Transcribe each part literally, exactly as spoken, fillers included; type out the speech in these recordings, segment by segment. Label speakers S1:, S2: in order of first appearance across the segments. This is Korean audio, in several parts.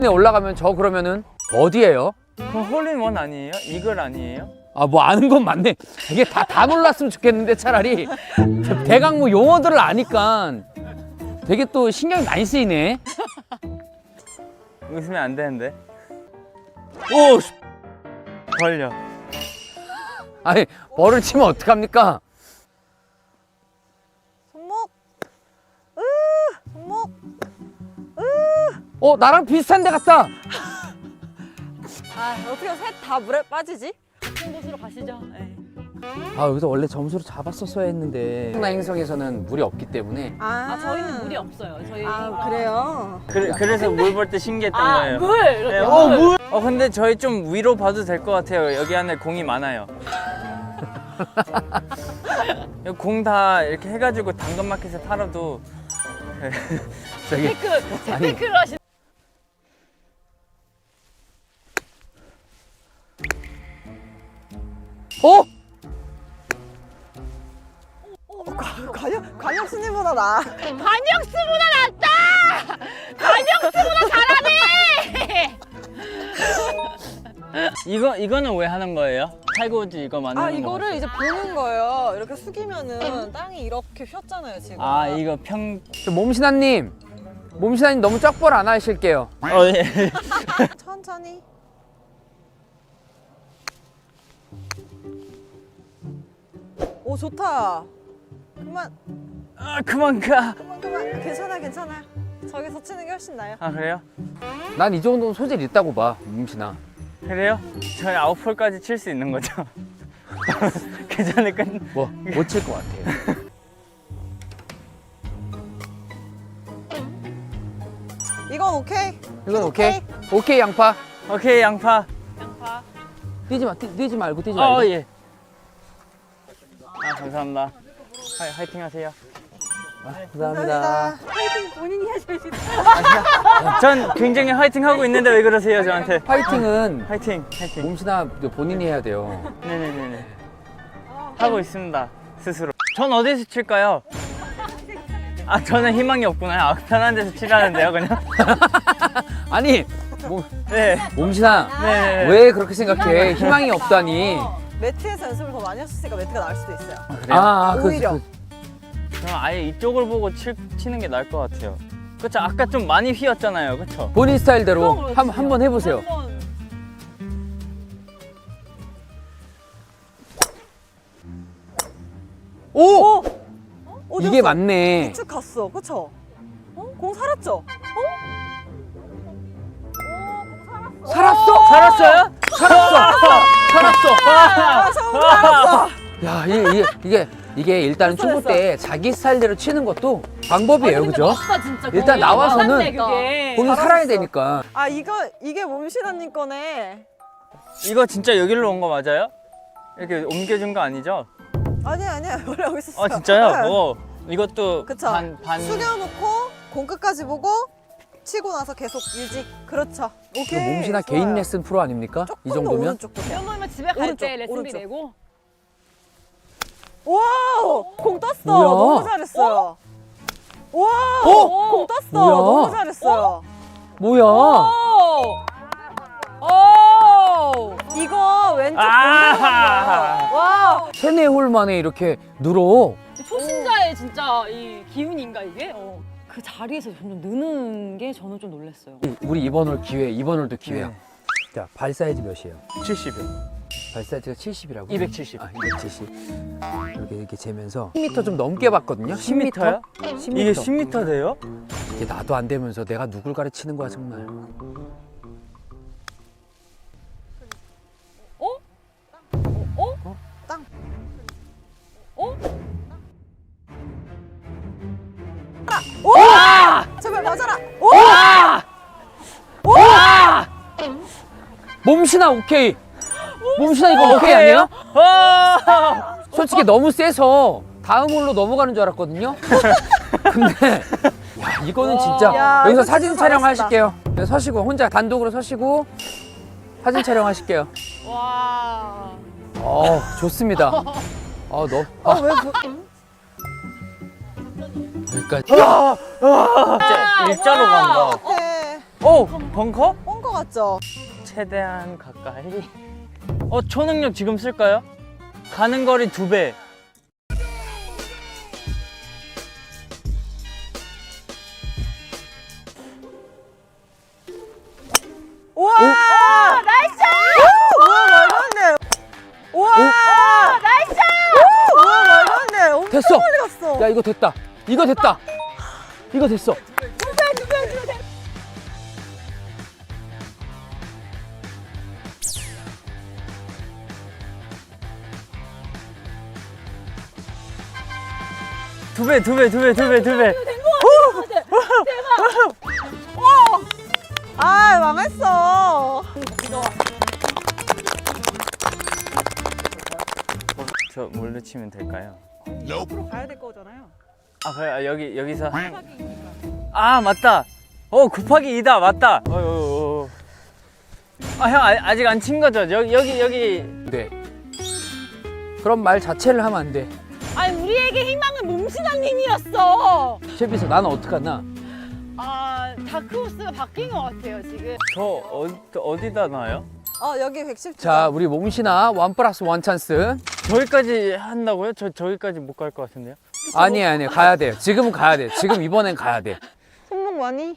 S1: 올라가면 저 그러면은 어디예요?
S2: 그럼 홀인원 아니에요? 이글 아니에요?
S1: 아 뭐 아는 건 맞네. 이게 다 다 몰랐으면 좋겠는데 차라리 대강 뭐 용어들을 아니까 되게 또 신경이 많이 쓰이네.
S2: 웃으면 안 되는데. 오! 씨. 걸려.
S1: 아니 벌을 치면 어떡합니까?
S3: 손목. 으, 손목.
S1: 어 나랑 비슷한 데 같다.
S3: 아, 어떻게 셋 다 물에 빠지지?
S4: 같은 곳으로 가시죠. 네.
S1: 아 여기서 원래 점수를 잡았었어야 했는데 청라 행성에서는 물이 없기 때문에
S3: 아,
S4: 아 저희는 물이 없어요. 저희
S3: 아, 그래요?
S2: 그, 그래서 물 볼 때 신기했던
S4: 아,
S2: 거예요.
S4: 물.
S2: 네,
S4: 이렇게
S2: 어,
S4: 물.
S2: 물! 어, 근데 저희 좀 위로 봐도 될 것 같아요. 여기 안에 공이 많아요. 공 다 이렇게 해가지고 당근마켓에 팔아도
S1: 저기
S4: 테크
S1: 아니.
S4: 테크를 하시.
S1: 어?
S3: 관역, 관역수님보다 나.
S4: 관역수보다 낫다. 관역수보다 잘하네.
S2: 이거, 이거는 왜 하는 거예요? 탈고지 이거 만드는
S3: 아,
S2: 거
S3: 이거를
S2: 같아요.
S3: 이제 보는 거예요. 이렇게 숙이면은 땅이 이렇게 휘었잖아요, 지금.
S2: 아 이거 평...
S1: 저 몸신아님 몸신아님 너무 쩍벌 안 하실게요.
S2: 어, 예.
S3: 천천히. 오, 좋다. 그만,
S2: 아 그만 가.
S3: 그만, 그만. 괜찮아, 괜찮아. 저기서 치는 게 훨씬 나아요.
S2: 아 그래요?
S1: 난 이 정도는 소질 있다고 봐 몸신아.
S2: 그래요? 저희 아웃폴까지 칠 수 있는 거죠? 괜찮을 건
S1: 뭐 못 칠 것 같아요.
S3: 이건 오케이.
S1: 이건 오케이? 오케이 양파.
S2: 오케이 양파.
S4: 양파.
S1: 뛰지 마, 뛰, 뛰지 말고 뛰지 말고.
S2: 어 예. 아 감사합니다. 하, 화이팅 하세요.
S1: 감사합니다.
S4: 파이팅 본인이 하셔야 돼.
S2: 전 굉장히 화이팅 하고 있는데 왜 그러세요 저한테?
S1: 파이팅은
S2: 화이팅, 화이팅.
S1: 몸신아 본인이 해야 돼요.
S2: 네네네네. 하고 있습니다 스스로. 전 어디서 칠까요? 아 저는 희망이 없구나. 아, 편한 데서 치라는데요 그냥.
S1: 아니 몸,
S2: 네.
S1: 몸신아
S2: 네.
S1: 왜 그렇게 생각해? 희망이 없다니.
S3: 매트에서 연습을 더 많이 하셨으니까 매트가 나을 수도 있어요.
S2: 그래요?
S1: 아, 그,
S3: 오히려.
S1: 그,
S2: 그럼 아예 이쪽을 보고 치, 치는 게 나을 것 같아요. 그쵸? 아까 좀 많이 휘었잖아요. 그쵸?
S1: 본인 스타일대로
S4: 그럼
S1: 한, 한번 해보세요.
S4: 한번.
S1: 오!
S3: 어디
S1: 이게
S3: 갔어?
S1: 맞네.
S3: 쭉 갔어, 그쵸? 어? 공 살았죠?
S1: 살았어?
S2: 살았어요?
S1: 살았어! 살았어!
S3: 아, 처음 살았어.
S1: 야, 이게, 이게, 이게, 이게 일단은
S3: 됐어,
S1: 초보 때 자기 스타일대로 치는 것도 방법이에요,
S4: 아니, 근데
S1: 그죠?
S4: 맞다, 진짜.
S1: 일단
S4: 거의
S1: 나와서는
S4: 맞네, 그게.
S1: 본인
S3: 잘하셨어.
S1: 살아야 되니까.
S3: 아, 이거, 이게 몸신아님 거네.
S2: 이거 진짜 여기로 온 거 맞아요? 이렇게 옮겨준 거 아니죠?
S3: 아니야, 아니야. 원래 여기 있었어요.
S2: 아 진짜요?
S3: 네.
S2: 오, 이것도
S3: 그쵸?
S2: 반, 반...
S3: 숙여놓고 공 끝까지 보고 치고 나서 계속 유지. 그렇죠.
S1: 이거
S3: 오케이.
S1: 몸신아
S3: 좋아요.
S1: 개인 레슨 프로 아닙니까?
S3: 조금
S1: 이
S3: 더
S1: 정도면?
S3: 오른쪽 보세요.
S4: 이런 거면 집에 갈 때
S3: 오른쪽,
S4: 레슨비
S3: 오른쪽.
S4: 내고.
S3: 와우! 공 떴어.
S1: 뭐야?
S3: 너무 잘했어요. 와우!
S1: 어?
S3: 공 떴어.
S1: 뭐야?
S3: 너무 잘했어요.
S1: 뭐야?
S4: 오! 오!
S3: 이거 왼쪽
S2: 아!
S3: 공격이야. 와!
S1: 세네 홀 만에 이렇게 늘어.
S4: 초심자의 진짜 이 기운인가 이게? 어. 그 자리에서 점점 느는 게 저는 좀 놀랐어요.
S1: 우리 이번 홀 기회, 이번 홀도 기회야.
S2: 네.
S1: 자, 발 사이즈 몇이에요?
S2: 칠십이요.
S1: 발 사이즈가 칠십이라고?
S2: 이백칠십.
S1: 아, 이백칠십. 이렇게 이렇게 재면서 십 미터 좀 넘게 봤거든요. 십 미터?
S2: 요?
S1: 십 미터.
S2: 이게 십 미터 돼요?
S1: 이게 나도 안 되면서 내가 누굴 가르치는 거야 정말.
S4: 어? 어?
S1: 어?
S3: 땅.
S4: 어?
S3: 오! 제발 맞아라. 오!
S1: 몸신아 오케이. 몸신아 이거 오케이 아니에요?
S2: 어!
S1: 솔직히 너무 세서 다음 홀로 넘어가는 줄 알았거든요. 근데 야, 이거는 진짜
S3: 야,
S1: 여기서
S3: 이거
S1: 사진
S3: 진짜
S1: 촬영하실게요. 네, 서시고 혼자 단독으로 서시고 사진 촬영하실게요.
S4: 와.
S1: 어 좋습니다. 어 너.
S3: 아,
S1: 아,
S3: 왜 그...
S1: 그러니까
S2: 진짜 일자로 간다.
S3: 네.
S2: 오! 벙커?
S3: 뻥거 같죠?
S2: 최대한 가까이. 어, 초능력 지금 쓸까요? 가는 거리 두 배.
S3: 우와! 나이스! 우와, 말도 안 돼. 우와! 나이스! 우와, 말도 안 돼. 엄청
S1: 됐어.
S3: 멀리 갔어.
S1: 야 이거 됐다. 이거 됐다. 이거 됐어.
S2: 두 배, 두 배, 두 배, 두 배, 두 배.
S3: 아, 망했어.
S2: 저 뭘로 치면 될까요?
S3: 앞으로 가야 될 거잖아요.
S2: 아, 그래, 아, 여기, 여기서. 아, 맞다. 어, 곱하기 이다. 맞다. 어, 어, 어. 아, 형, 아, 아직 안 친 거죠? 여기, 여기, 여기.
S1: 네. 그런 말 자체를 하면 안 돼.
S4: 아니 우리에게 희망은 몽신아님이었어.
S1: 셰비서 나는 어떡하나?
S4: 아 다크호스가 바뀐 것 같아요 지금.
S2: 저 어, 어디다 놔요?
S3: 어, 여기 백십 주.
S1: 자 우리 몸신아 원 플러스 원 찬스.
S2: 저기까지 한다고요? 저 저기까지 못 갈 것 같은데요?
S1: 아니 아니 가야 돼. 지금은 가야 돼. 지금 이번엔 가야 돼.
S3: 손목 많이?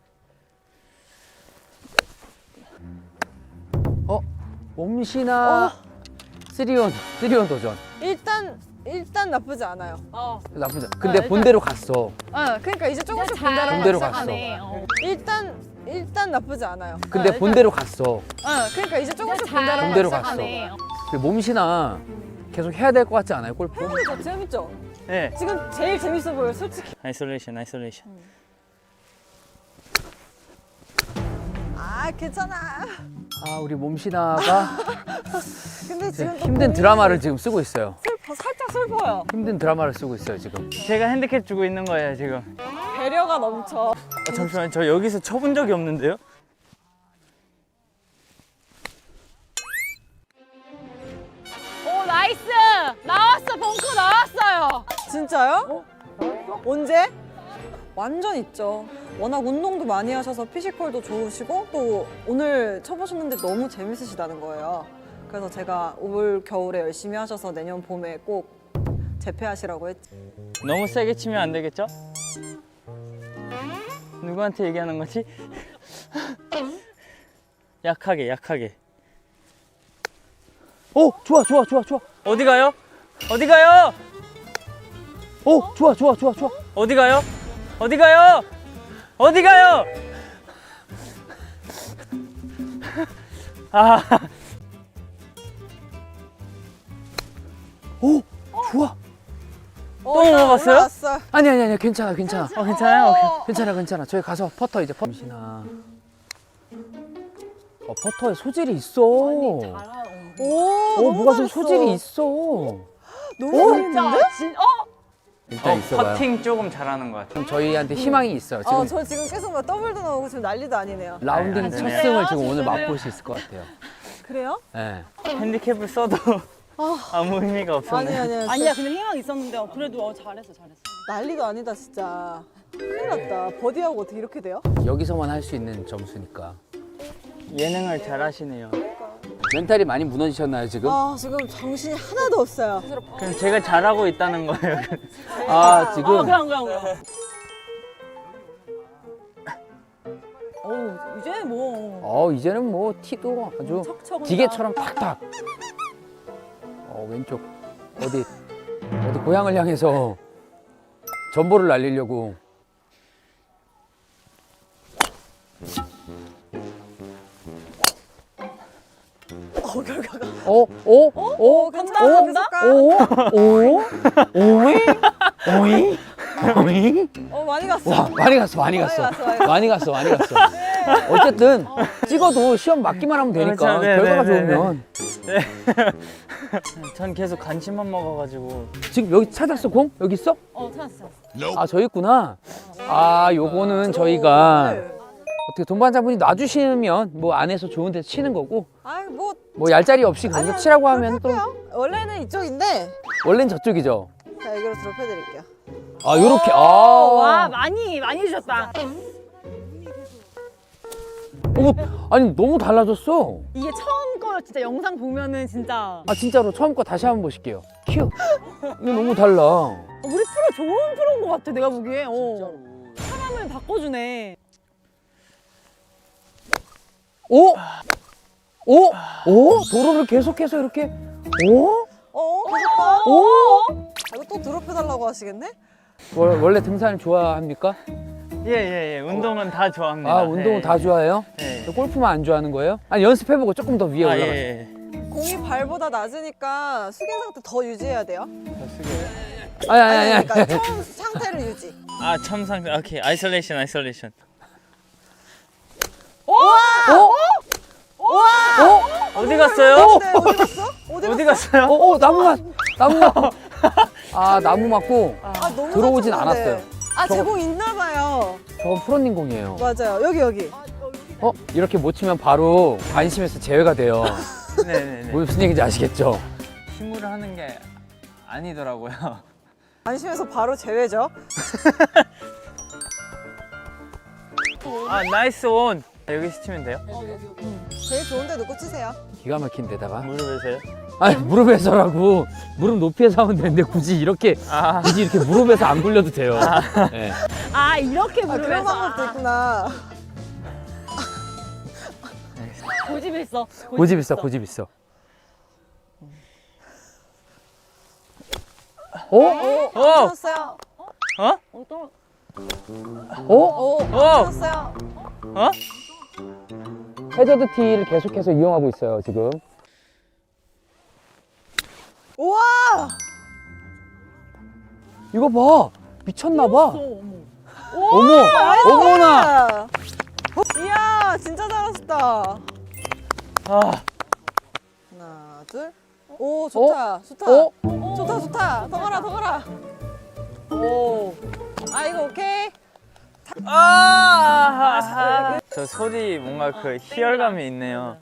S1: 어? 몸신아 쓰리온 쓰리온 도전.
S3: 일단 일단 나쁘지 않아요.
S4: 어.
S1: 나쁘지 않아. 근데
S4: 일단-
S1: 본대로 갔어.
S3: 아, 그러니까 이제 조금씩
S4: 잘
S3: 본대로
S1: 본대로
S3: 가기
S1: 갔어.
S4: 시작하네. 어.
S3: 일단 일단 나쁘지 않아요.
S1: 근데
S4: 일단-
S1: 본대로 갔어.
S3: 아, 그러니까 이제 조금씩
S4: 잘
S3: 본대로
S1: 본대로
S3: 가기
S1: 갔어.
S4: 시작하네. 어.
S1: 근데 몸신아 계속 해야 될 것 같지 않아요 골프?
S3: 재밌죠, 재밌죠.
S2: 네.
S3: 지금 제일 재밌어 보여, 솔직히.
S2: 아이솔레이션, 아이솔레이션.
S3: 아, 괜찮아.
S1: 아 우리 몸신아가
S3: 근데 지금 또
S1: 힘든
S3: 고민이
S1: 드라마를 지금 쓰고 있어요.
S3: 슬퍼, 살짝 슬퍼요.
S1: 힘든 드라마를 쓰고 있어요 지금.
S2: 제가 핸디캡 주고 있는 거예요 지금.
S3: 배려가 넘쳐.
S2: 어, 잠시만, 저 여기서 쳐본 적이 없는데요?
S4: 오 나이스. 나왔어 벙커 나왔어요.
S3: 진짜요? 언제? 완전 있죠. 워낙 운동도 많이 하셔서 피지컬도 좋으시고 또 오늘 쳐보셨는데 너무 재밌으시다는 거예요. 그래서 제가 올 겨울에 열심히 하셔서 내년 봄에 꼭 재패하시라고 했지.
S2: 너무 세게 치면 안 되겠죠? 누구한테 얘기하는 거지? 약하게, 약하게.
S1: 오 좋아 좋아 좋아 좋아.
S2: 어디 가요? 어디 가요?
S1: 오 좋아 좋아 좋아 좋아.
S2: 어디 가요? 어디 가요? 어디 가요? 아,
S1: 오 좋아.
S3: 어,
S2: 또 넘어갔어요?
S3: 올라왔어요.
S1: 아니 아니 아니 괜찮아 괜찮아.
S2: 어, 괜찮아요? 오케이.
S1: 괜찮아 괜찮아. 저희 가서 퍼터 이제 퍼. 몸신아. 어 퍼터에 소질이 있어.
S3: 오,
S1: 오
S3: 너무
S1: 뭐가 좀
S3: 잘했어.
S1: 소질이 있어.
S3: 너무 잘했는데?
S4: 진, 어?
S1: 일단
S2: 어,
S1: 있어봐요.
S2: 퍼팅 조금 잘하는 것 같아요.
S1: 그럼 저희한테 희망이 있어요. 지금
S3: 어, 저 지금 계속 막 더블도 나오고 지금 난리도 아니네요.
S1: 라운딩
S2: 아,
S1: 첫
S2: 네.
S1: 승을 지금 오늘
S4: 진짜요?
S1: 맛볼 수 있을 것 같아요.
S3: 그래요?
S1: 네.
S2: 핸디캡을 써도 아무 의미가 없었네.
S3: 아니 아니.
S4: 아니야 근데 희망 있었는데 어, 그래도 어, 잘했어 잘했어.
S3: 난리도 아니다 진짜. 큰일 났다. 버디하고 어떻게 이렇게 돼요?
S1: 여기서만 할 수 있는 점수니까.
S2: 예능을 잘하시네요.
S1: 멘탈이 많이 무너지셨나요 지금?
S3: 아, 지금 정신이 하나도 없어요.
S2: 그럼 제가 잘하고 있다는 거예요.
S1: 아 지금
S4: 어 그럼 그럼 그럼. 어 이제 뭐
S1: 어 이제는 뭐 티도 아주
S4: 척척
S1: 기계처럼 탁탁. 어 왼쪽 어디 어디 고향을 향해서 전보를 날리려고.
S3: 어, 결과가.
S1: 어? 어?
S3: 어,
S1: 어?
S3: 간다,
S1: 어?
S3: 계속 가.
S1: 오? 오? 오이? 오이? 오이?
S3: 어, 많이 갔어.
S1: 와 많이 갔어 많이 갔어
S3: 많이 갔어, 많이
S1: 많이 갔어 많이 갔어. 어쨌든 찍어도 시험 맞기만 하면 되니까
S2: 그렇죠. 네,
S1: 결과가
S2: 네, 네,
S1: 좋으면.
S2: 전 계속 간식만 먹어가지고.
S1: 지금 여기 찾았어 공? 여기 있어?
S4: 어 찾았어. 찾았어.
S1: 아 저기 있구나. 아 요거는 저희가
S3: 네.
S1: 어떻게 동반자분이 놔주시면 뭐 안에서 좋은 데서 치는 거고,
S3: 아이, 뭐.
S1: 뭐 얄짤이 없이 거기서
S3: 아니,
S1: 치라고 하면 또
S3: 할게요. 원래는 이쪽인데.
S1: 원래는 저쪽이죠.
S3: 자, 여기로 드롭해드릴게요.
S1: 아 요렇게.
S4: 어, 와
S1: 아
S4: 많이 많이 주셨다.
S1: 어, 아니 너무 달라졌어.
S4: 이게 처음 거 진짜 영상 보면은 진짜
S1: 아 진짜로 처음 거 다시 한번 보실게요. 큐. 이거 너무 달라.
S4: 우리 프로 좋은 프로인 것 같아 내가 보기에. 어. 사람을 바꿔주네.
S1: 오? 오? 오? 도로를 계속해서 이렇게 오?
S3: 어? 계속 가?
S1: 오?
S3: 아, 이거 또 드롭해달라고 하시겠네?
S1: 월- 원래 등산을 좋아합니까?
S2: 예예예 운동은 다 좋아합니다.
S1: 아 운동은
S2: 예,
S1: 다 좋아해요?
S2: 예.
S1: 골프만 안 좋아하는 거예요? 아니 연습해보고 조금 더 위에
S2: 아,
S1: 올라가.
S2: 예, 예.
S3: 공이 발보다 낮으니까 숙인 상태 더 유지해야 돼요.
S1: 아니 아니 아니. 아니.
S3: 그러니까 처음 상태를 유지.
S2: 아 첨상 오케이 아이솔레이션 아이솔레이션.
S1: 어?
S3: 와!
S1: 어?
S2: 어디 갔어요?
S3: 네, 어디 갔어? 어디
S2: 어디
S3: 갔어?
S2: 갔어요?
S1: 어? 어? 나무 맞 나무 맞고. 아 나무 맞고.
S3: 아, 너무
S1: 들어오진
S3: 잘 쳤는데.
S1: 않았어요.
S3: 아,
S1: 저거-
S3: 제 공 있나 봐요.
S1: 저건 프로님 공이에요.
S3: 맞아요. 여기 여기.
S1: 어? 이렇게 못 치면 바로 관심에서 제외가 돼요.
S2: 네네네.
S1: 무슨 얘기인지 아시겠죠?
S2: 힘으로 하는 게 아니더라고요.
S3: 안심해서 바로 제외죠.
S2: 아 나이스 온. 여기서 치면 돼요?
S3: 제일 좋은 데 놓고 치세요.
S1: 기가 막힌 데다가.
S2: 무릎에서요?
S1: 아니 무릎에서라고 무릎 높이에서 하면 되는데 굳이 이렇게
S2: 아
S1: 굳이 이렇게 무릎에서 안 굴려도 돼요. 네.
S4: 아 이렇게
S3: 아, 그런
S4: 무릎에서.
S3: 방법도 있구나.
S4: 고집 있어.
S1: 고집 있어, 고집 있어. 어?
S3: 오,
S2: 어!
S3: 쳤어요.
S2: 어?
S4: 어떤
S1: 어?
S3: 오,
S2: 어!
S3: 쳤어요.
S2: 어?
S1: 해저드 티를 계속해서 이용하고 있어요 지금.
S3: 우와!
S1: 이거 봐, 미쳤나 봐.
S4: 어머.
S1: 어머, 어머나.
S3: 이야, 진짜 잘하셨다.
S2: 아
S3: 하나, 둘. 오, 좋다. 좋다.
S1: 어?
S3: 좋다, 좋다. 더 가라, 더 가라. 오. 아, 이거 오케이.
S2: 아! 저 소리 뭔가 그 희열감이 있네요.